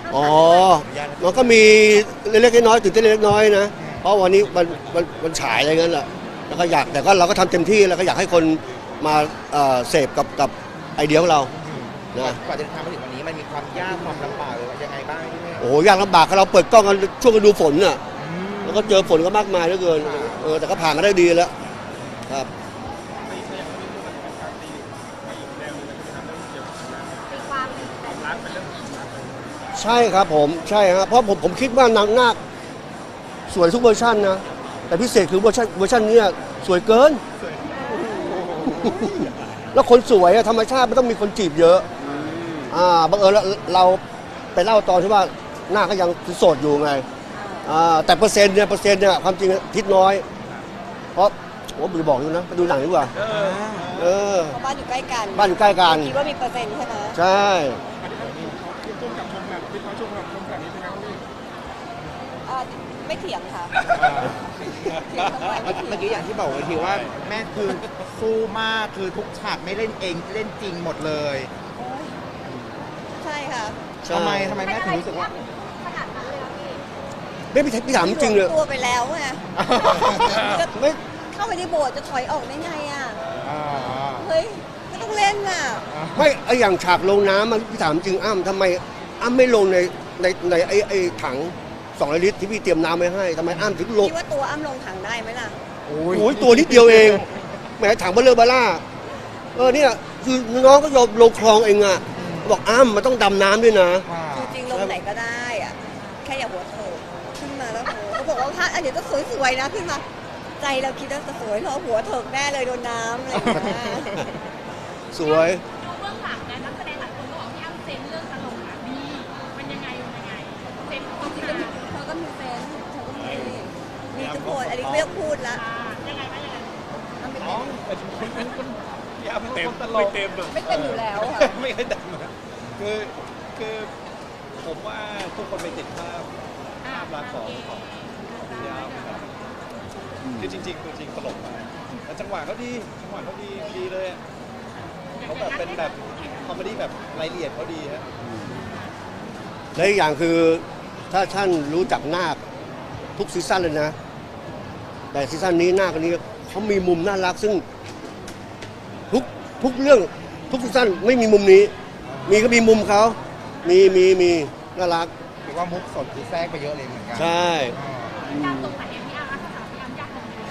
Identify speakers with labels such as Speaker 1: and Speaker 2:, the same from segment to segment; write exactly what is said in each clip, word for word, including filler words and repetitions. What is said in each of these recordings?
Speaker 1: อ๋อมันก็มีเล็กๆน้อยๆตื่นเต้นเล็กๆน้อยๆนะเพราะวันนี้มันมันมันฉายอะไรเงี้ยแหละแล้วก็อยากแต่ก็เราก็ทำเต็มที่แล้วก็อยากให้คนมาเอ่อเสพกับกับไอเดียของเรานะ
Speaker 2: กว่าจะทำมาถึงวันนี้มันมีความยากความลำบากหรือว่ายังไงบ้างพี่เมฆ
Speaker 1: โอ้โหยากลำบากเราเปิดกล้องกันช่วงฤดูฝนน่ะแล้วก็เจอฝนก็มากมายเหลือเกินเออแต่ก็ผ่านมาได้ดีแล้วครับใช่ครับผมใช่ครับเพราะผมผมคิดว่านางนาคสวยทุกเวอร์ชันนะแต่พิเศษคือเวอร์ชันเวอร์ชันนี้สวยเกิน แล้วคนสวยอะธรรมชาติไม่ต้องมีคนจีบเยอะอ่าบังเอิญเราเราไปเล่าตอนที่ว่าหน้าก็ยังโสดอยู่ไงอ่าแต่เปอร์เซ็นต์เนี่ยเปอร์เซ็นต์เนี่ยความจริงทิศน้อย เพราะผมจะบอกอยู่นะไปดูหนังดีกว่าเออ
Speaker 3: เพราะบ้านอยู่ใกล้กัน
Speaker 1: บ้านอยู่ใกล้กัน
Speaker 3: คิดว่ามีเปอร์เซ็นต์ใช่ไหม
Speaker 1: ใช่
Speaker 3: อ่าไม่เถียงค่ะเถียงทำไมไม่เถียง
Speaker 2: เมื่อกี้อย่างที่บอกไว้ทีว่าแม่คือสู้มากคือทุกฉากไม่เล่นเองเล่นจริงหมดเลย
Speaker 3: โอ๊ยใช่ค่ะ
Speaker 1: ใช่
Speaker 2: ทำไมทำไมแม่ถึงรู้สึกว่า
Speaker 1: ไม่พี่พี่ถามจริงเลย
Speaker 3: ตัวไปแล้วไงจะ
Speaker 1: ไม่
Speaker 3: เข้าไปในโบสถ์จะถอยออกได้ไงอ่ะ
Speaker 2: อ่า
Speaker 3: เฮ้ยไม่ต้องเล่นน่ะ
Speaker 1: ไม่ไออย่างฉากลงน้ำมันพี่ถามจริงอ้ำทำไมอ้ำไม่ลงในในในไอไอถังสองลิตรที่พี่เตรียมน้ำไว้ให้ทำไมอ้ำถึงลง
Speaker 3: คิดว่าตัวอ้ำลงถังได้ไหมล่ะ
Speaker 2: โอ้
Speaker 1: โอ้ยตัวนิดเดียวเองแหมถังเบลเลอร์บาร่าเออเนี่ยคือน้องก็ยอมลงคลองเองอ่ะบอกอ้ำมันต้องดำน้ำด้วยนะ
Speaker 2: อ่า
Speaker 3: จริงๆลงไหนก็ได้อ่ะแค่อย่าหัวโถกขึ้นมาแล้วโหเขาบอกว่าถ้าอันนี้ต้องสวยๆนะขึ้นมา ใจเราคิดว่าจะสวยเราหัวเถิกแน่เลยโดนน้ำอะไรอย่างเงี้ย
Speaker 1: สวย
Speaker 4: ดูเบื้องหลังนะนักแสดงหลายคนก็บอกพี่อ้ำเซนเรื่องตลกอ่ะดีมันยังไงมันยังไงเซนต้อง
Speaker 3: จริง
Speaker 4: หา
Speaker 3: ๆเธอก็มีแฟนเธอก็มีมีทุกคนอันนี้ไม่ต้องพูดละ
Speaker 4: อ่ายังไงบ้างยังไง
Speaker 3: มันเป็น
Speaker 5: ยาเต็มไม่เต็มอะ
Speaker 3: ไม่เต็มอยู่แล้วค่ะ
Speaker 5: ไม่เคยเต็มอะคือคือผมว่าทุกคนไปติดภาพภาพลักษณ์ของของพี่ยามนะครับคือจริงๆตัวจริงตลกมากแต่จังหวะเขาดีจังหวะเขาดีดีเลยอะเขาแบบเป็นแบบคอมเมดี้แบบรายละเอียดเขาดีฮะ
Speaker 1: และอีกอย่างคือถ้าท่านรู้จักนาคทุกซีซั่นเลยนะ แต่ซีซั่นนี้นาคคนนี้เขามีมุมน่ารักซึ่งทุกทุกเรื่องทุกซีซั่นไม่มีมุมนี้ มีก็มีมุมเขามีมีมีน่ารัก
Speaker 2: ถือว่ามุกสดคือแทรกไปเยอะเลยเหมือนกัน
Speaker 1: ใช่
Speaker 4: ยากตรงไหนพี่อ้ำถ้าถามพี่อ้ำยากตรงไหน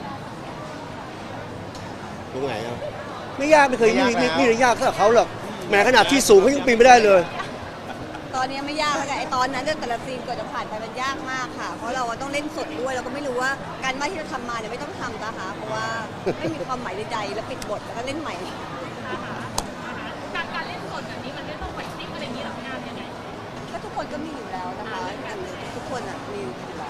Speaker 1: ตรงไหนอ่ะไม่ยากไม่เคยนี่นี่นี่ยากเท่าเขาหรอกแม้ขนาดที่สูงเขายังปีนไม่ได้เลย
Speaker 3: ตอนนี้ไม่ยากแล้วไงไอตอนนั้นเนี่ยแต่ละซีนกว่าจะผ่านไปมันยากมากค่ะ เพราะเราอะต้องเล่นสดด้วยเราก็ไม่รู้ว่าการบ้านที่เราทำมาเนี่ยไม่ต้องทำนะคะเพราะว่าไม่มีความหมายในใจแล้วปิดบทแล้วก็เล่นใหม่
Speaker 4: การการเล่นสดแบบนี้มันไม่ต้องไหวซิ่งอะไรอย่างนี้หรอพี่อ้ำยังไง
Speaker 3: ก็ทุกคนก็มีอยู่แล้วนะคะทุกคนอ่ะมีอยู่แล้ว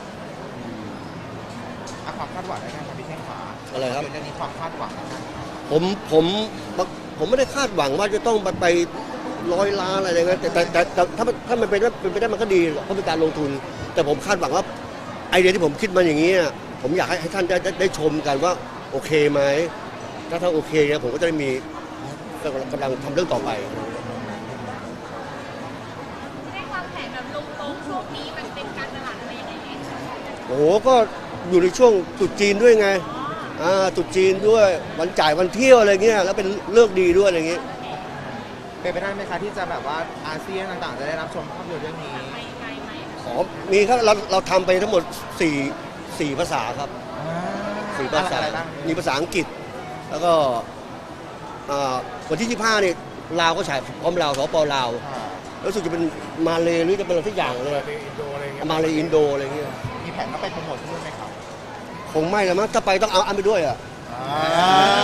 Speaker 2: อ่ะความคาดหวังได้ไหมครับพี่เท่งขา
Speaker 1: อะไรครับ
Speaker 2: เรื่องนี้ความคาดหวังนะครับ
Speaker 1: ผมผมผมไม่ได้คาดหวังว่าจะต้องไปไปร้อยล้านอะไรอย่างเงี้ยแต่แต่แต่แต่ถ้ามันถ้ามันเป็นเป็นไปได้มันก็ดีเพราะเป็นการลงทุน แต่ผมคาดหวังว่าไอเดียที่ผมคิดมาอย่างนี้อะผมอยากให้ให้ท่านได้ได้ได้ชมกันว่าโอเคไหมถ้าถ้าโอเคเนี่ยผมก็จะได้มีกำลังกำลังทำเรื่องต่อไป
Speaker 4: ได้วางแผนแบบลงตรงช่วงนี้มันเป็นการตลาดอะไรยังไงไหม
Speaker 1: โอ้โหก็อยู่ในช่วงตรุษจีนด้วยไงอ่าตรุษจีนด้วยวันจ่ายวันเที่ยวอะไรเงี้ยแล้วเป็นเลิกดีด้วยอะไรเงี้ย
Speaker 2: เป็นไปได้ไหมคะที่จะแบบว่าอาเซียนต่างๆ จะได้รับชมภาพยนตร์เรื่องนี้
Speaker 4: ไปไกลไหม
Speaker 1: อ๋อมีครับเราเราทำไปทั้งหมดสี่สี่ภาษาครับ สี่ภาษา
Speaker 2: อะไรบ้าง
Speaker 1: มีภาษาอังกฤษ แล้วก็อ่าวันที่ยี่สิบห้านี่ลาวก็ฉายพร้อมลาวสปลาว
Speaker 2: อ่า
Speaker 1: รู้สึกจะเป็นมาเลยหรือจะเป็นอะไรทุกอย่างเลยมาเลยอินโดอะไรเงี้ย
Speaker 2: มีแผนต้องไปโปรโมทที่นู่นไหมครับ
Speaker 1: คงไม่แล้วมั้งถ้าไปต้องเอาอันไปด้วยอ่ะ
Speaker 2: อ่า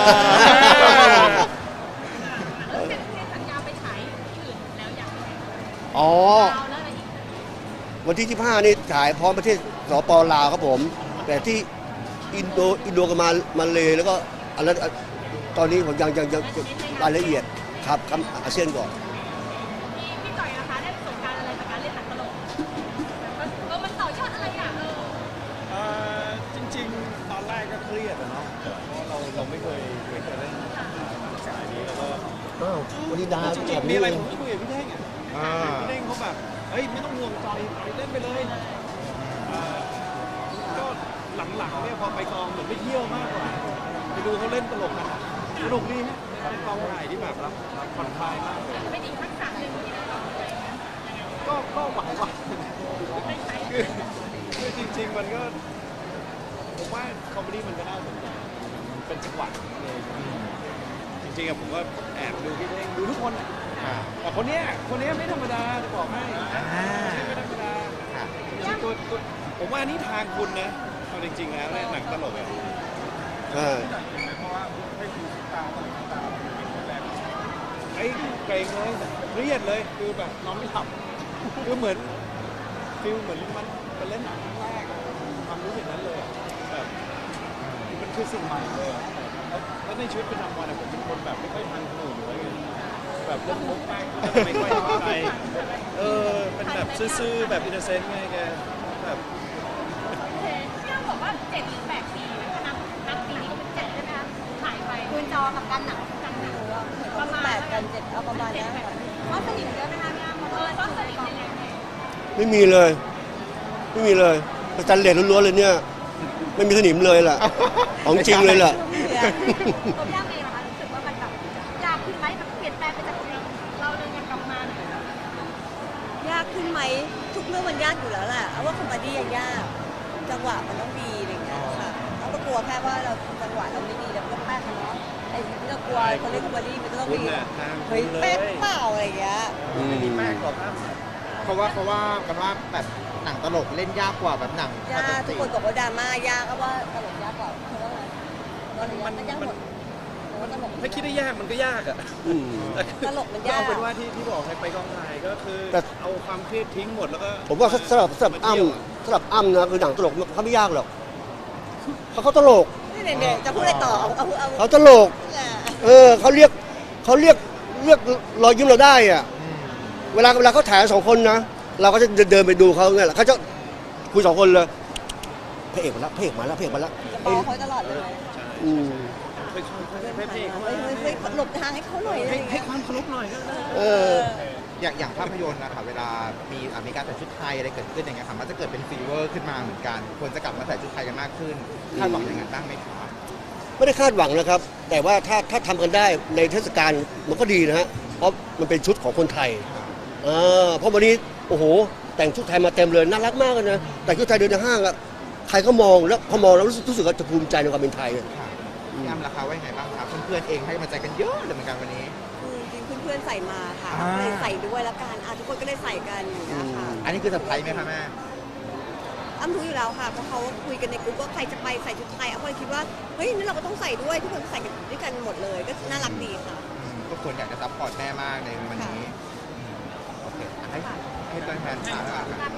Speaker 4: แล้วเซ็นเซ็นสัญญาไปฉายที่อื่นแล้วอย่างไร
Speaker 1: อ๋อ
Speaker 4: เอาแล้วอะไรอีก
Speaker 1: วันที่ยี่สิบห้านี่ฉายพร้อมประเทศสปลาวครับผม แต่ที่อินโดอินโดกับมามาเลยแล้วก็อะไรตอนนี้ผมยังยังยังรายละเอียดครับครับอาเซียนก่อน
Speaker 4: พี่พี่จ่อยนะคะได้ประสบการณ์อะไรจากการเล่นหนังตลกแบบว่าเออมันต่อยอดอะไรอ่ะเออ
Speaker 5: เอ่อจริงๆ ตอนแรกก็เครียดอะเนาะเพราะเราเราไม่เคยไม่เคยเล่นสายนี้แล้วก็
Speaker 1: อ้าววันนี้ดา
Speaker 5: จริ
Speaker 1: แบ
Speaker 5: ง
Speaker 1: บ
Speaker 5: ๆมี
Speaker 1: นี้
Speaker 5: อะไร
Speaker 1: เอง
Speaker 5: ผมก็คุยกับพี่เท่งอะ
Speaker 2: อ่า
Speaker 5: พี่เท่งเขาแบบเฮ้ยไม่ต้องห่วงจอยไปเล่นไปเลยเอ่อก็หลังๆเนี่ยพอไปกองเหมือนไปเที่ยวมากกว่าไปดูเขาเล่นตลกกันสนุกดีฮะเป็นกองถ่ายที่แบบรับรับผ่อนคลายมากเลย
Speaker 4: เป็นอีกทักษะหนึ่งที่เรา
Speaker 5: ก็ก็หวังว่าคือคือจริง ๆ มันก็ผมว่าคอมเมดี้มันก็น่าสนใจเป็นจังหวะเลยจริงๆอะผมก็แอบดูพี่เท่งดูทุกคนอะ
Speaker 2: อ่า
Speaker 5: แต่คนเนี้ยคนเนี้ยไม่ธรรมดาจะบอกให้
Speaker 2: อ่า
Speaker 5: ไม่ธรรมดา
Speaker 2: ค่ะ
Speaker 5: จริงๆตัวตัวผมว่านี่ทางคุณนะเอาจริงๆแล้วเนี่ยหนังตลกอะ
Speaker 1: ใช่
Speaker 5: ไอ้เกรงเลยเครียดเลยคือแบบนอนไม่หลับคือเหมือนฟิลเหมือนมันมันเล่นหนังครั้งแรกอะความรู้สึกนั้นเลยอะแบบมันคือสิ่งใหม่เลยอะแล้วแล้วในชีวิตประจำวันอะผมเป็นคนแบบไม่ค่อยทันคนอื่นอยู่แล้วไงแบบเล่นมุกแป้งก็จะไม่ค่อยเข้าใจเออเป็นแบบซื่อๆแบบอินโนเซนต์ไงแกแบบ
Speaker 4: ที่เราบอกว่าเจ็ดหรือแปดปีนะนับนับปีนี้ก็เป็นเจ็ดใช่ไหมคะหายไป
Speaker 3: คืนจอกับการหนังกันหนังเหมือนประมาณแปดกันเจ็ดเอาประมาณนี้ค่ะว่าสนิทเยอะไหมคะพี่อ้ำ
Speaker 4: เออต้องสนิทยังไง
Speaker 1: ไม่มีเลย ไม่มีเลยสแตนเลสล้วนๆเลยเนี่ย ไม่มีสนิมเลยล่ะ ของจริงเลยล่ะ
Speaker 4: ตัวพี่อ้ำเองนะคะรู้สึกว่ามันแบบยากขึ้นไหมมันเปลี่ยนแปลงไปจากเราเลยยังกลับมาหน่อย
Speaker 3: ยากขึ้นไหมทุกเรื่องมันยากอยู่แล้วแหละเอาว่าคอมเมดี้ยังยากจังหวะมันต้องดีอะไรอย่างเงี้ยค่ะเราก็กลัวแค่ว่าเราจังหวะเราไม่ดีเราก็แป๊กเนาะไอ้ที่เรากลัวคนเล่นคอมเมดี้มันก็ต้อง
Speaker 5: คุ
Speaker 3: มี
Speaker 5: ณน่ะทางคุ
Speaker 3: เฮ้ย
Speaker 5: ณเล
Speaker 3: เป๊ะ
Speaker 5: ย
Speaker 3: เปล่าอะไรอย่างเงี้ย
Speaker 1: อืม
Speaker 5: มีแป้งกรอบอ้ำ
Speaker 2: เพราะว่าเขาว่ากันว่าแบบหนังตลกเล่นยากกว่าแบบหนัง
Speaker 3: ยากทุกคนบอกว่าดราม่ายากก็ว่าตลกยากกว่าเพราะว่าไงตลก
Speaker 5: มัน
Speaker 3: มันยากหมดเพราะว่าตลก
Speaker 5: ถ้าคิดได้ยากมันก็ยากอ่ะ
Speaker 1: อืม
Speaker 3: ตลกมัน
Speaker 5: ก็
Speaker 3: ยาก
Speaker 5: เอาเป็นว่าที่ที่บอกให้ไปกองถ่ายก็คือ
Speaker 1: แต่
Speaker 5: เอาความเครียดทิ้งหมดแล้วก็
Speaker 1: ผมว่าสำหรับสำหรับอ้ำสำหรับอ้ำนะคือหนังตลกเขาไม่ยากหรอกเขาเขาตลก
Speaker 3: นี่เนี่ยๆจะพูดอะไรต่อเอาเอาเอา
Speaker 1: เขาตลก เออเขาเรียกเขาเรียกเรียกรอยยิ้มเราได้อะเวลาเวลาเขาถ่ายสองคนนะ เราก็จะเดินไปดูเขาเนี่ยแหละเขาจะคุยสองคนเลยพระเอกมาแล้วพระเอกมาแล้วพระเอกมาแล้ว
Speaker 3: จะบอกเขาตลอดเลย
Speaker 1: อืม
Speaker 5: ค่อยๆค่อยๆให้
Speaker 3: เฮ้
Speaker 5: พี่
Speaker 3: ย
Speaker 5: เขา
Speaker 3: เฮ้ยเฮ้ยหลบทางให้เขาหน่อยอะไร
Speaker 5: ให้
Speaker 3: อย่าง
Speaker 5: ให้
Speaker 3: เงี้ย
Speaker 5: ความเคารพหน่อยก็ได้
Speaker 1: เออ
Speaker 2: อย่างอย่างภาพยนตร์นะคะเวลามีอ่ะมีการใส่ชุดไทยอะไรเกิดขึ้นอย่างเงี้ยค่ะมันจะเกิดเป็นฟีเวอร์ขึ้นมาเหมือนกันคนจะกลับมาใส่ชุดไทยกันมากขึ้นคาดหวังอย่างนั้นบ้างไหมคะ
Speaker 1: ไม่ได้คาดหวังนะครับ แต่ว่าถ้าถ้าทำกันได้ในเทศกาลมันก็ดีนะฮะเพราะมันเป็นชุดของคนไทยเออเพราะวันนี้โอ้โห แต่งชุดไทยมาเต็มเลยน่ารักมากเลยนะแต่งชุดไทยเดินในห้างอะใครก็มองแล้วพอมองแล้วรู้สึกรู้สึกว่าจะภูมิใจในความเป็นไทยอะ
Speaker 2: ค่ะพี่อ้ำราคาว่ายังไงบ้างคะเพื่อนๆเองให้กำลังใจกันเยอะเลยเหมือนกันวันนี้
Speaker 3: คือจริงๆเพื่อนๆใส่มาค่ะ
Speaker 2: อ่า
Speaker 3: ก็เลยใส่ด้วยแล้วกันอ่ะทุกคนก็เลยใส่กันอย่างเงี้ยค่ะ
Speaker 2: อันนี้คือเซอร์ไพรส์ไหมคะแม่
Speaker 3: อ้ำรู้อยู่แล้วค่ะเพราะเขาคุยกันในกลุ่มว่าใครจะไปใส่ชุดไทยอ้ำก็เลยคิดว่าเฮ้ยนั่นเราก็ต้องใส่ด้วยทุกคนใส่กันด้วยกันหมดเลยก็น่ารักดีค่ะ
Speaker 2: อืมก็ควรอยากจะซัพพอร์ตแม่มากในวันนี้โอเคอ่ะให้ให้ตัวแทนถามแล้วกัน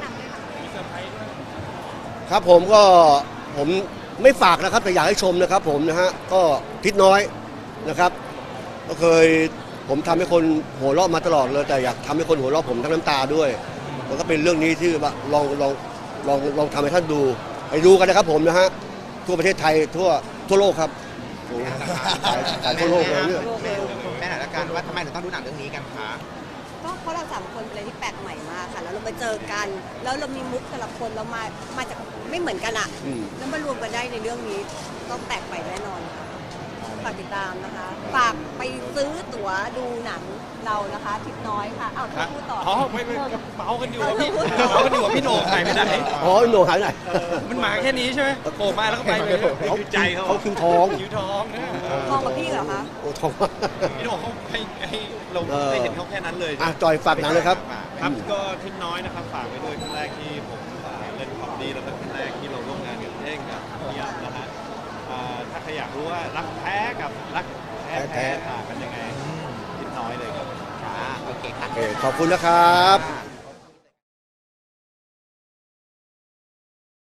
Speaker 1: ครับผมก็ผมไม่ฝากนะครับแต่อยากให้ชมนะครับผมนะฮะก็ทิศน้อยนะครับ ก็เคยผมทำให้คนหัวเราะมาตลอดเลยแต่อยากทำให้คนหัวเราะผมทั้งน้ำตาด้วยแล้วก็เป็นเรื่องนี้ที่ว่าลองลองลองลองทำให้ท่านดูไปดูกันนะครับผมนะฮะทั่วประเทศไทยทั่วทั่วโลกครับโอ้โหขายทั่วโลกเลยเนี่ย
Speaker 2: แม่แม่หน่อยละกันว่าทำไมถึงต้องดูหนังเรื่องนี้กันคะ
Speaker 3: ก็เพราะเราสามคนเป็นอะไรที่แปลกใหม่มากค่ะแล้วเรามาเจอกัน แล้วเรามีมุกแต่ละคนเรามามาจากไม่เหมือนกันอะ
Speaker 1: อืม
Speaker 3: แล้วมารวมกันได้ในเรื่องนี้ต้องแปลกใหม่แน่นอนค่ะฝากติดตามนะคะฝากไปซื้อตั๋วดูหนังเรานะคะทิศน้อยค่ะอ้าวพูดต่อ
Speaker 5: อ๋อไม่ไม่เมากันอยู่อะพี่เมากันอยู่อะพี่โหน่งหายไปไหน
Speaker 1: อ๋อโหนหายไหน
Speaker 5: มันมาแค่นี้ใช่ไหมโผล่มาแล้วก็ไปเลย
Speaker 1: เขา
Speaker 5: คือใจเขา
Speaker 1: เขาคิวทอง
Speaker 5: คิวทองนะ
Speaker 3: ทองกับพี่เหรอคะ
Speaker 1: โอ้ทอง
Speaker 5: พี่โหน่งเขาให้ให้เรา
Speaker 1: เออ
Speaker 5: ได้เห็นเขาแค่นั้นเลย
Speaker 1: อ่ะจอยฝากหนังเลยครับ
Speaker 5: ครับก็ทิศน้อยนะครับฝากไว้ด้วยครั้งแรกที่ผมอ่าเล่นคอมดี้แล้วก็ครั้งแรกที่เราร่วมงานกับเท่งกับพี่ยับนะฮะอ่าถ้าใครอยากรู้ว่ารักแท้กับรักแท้
Speaker 1: แท้
Speaker 5: แท้ต่างกันยังไงทิศน้อยเลยครับ
Speaker 2: ค่ะโอเคค่ะ
Speaker 1: โอเคขอบคุณนะครับ
Speaker 2: ค่ะ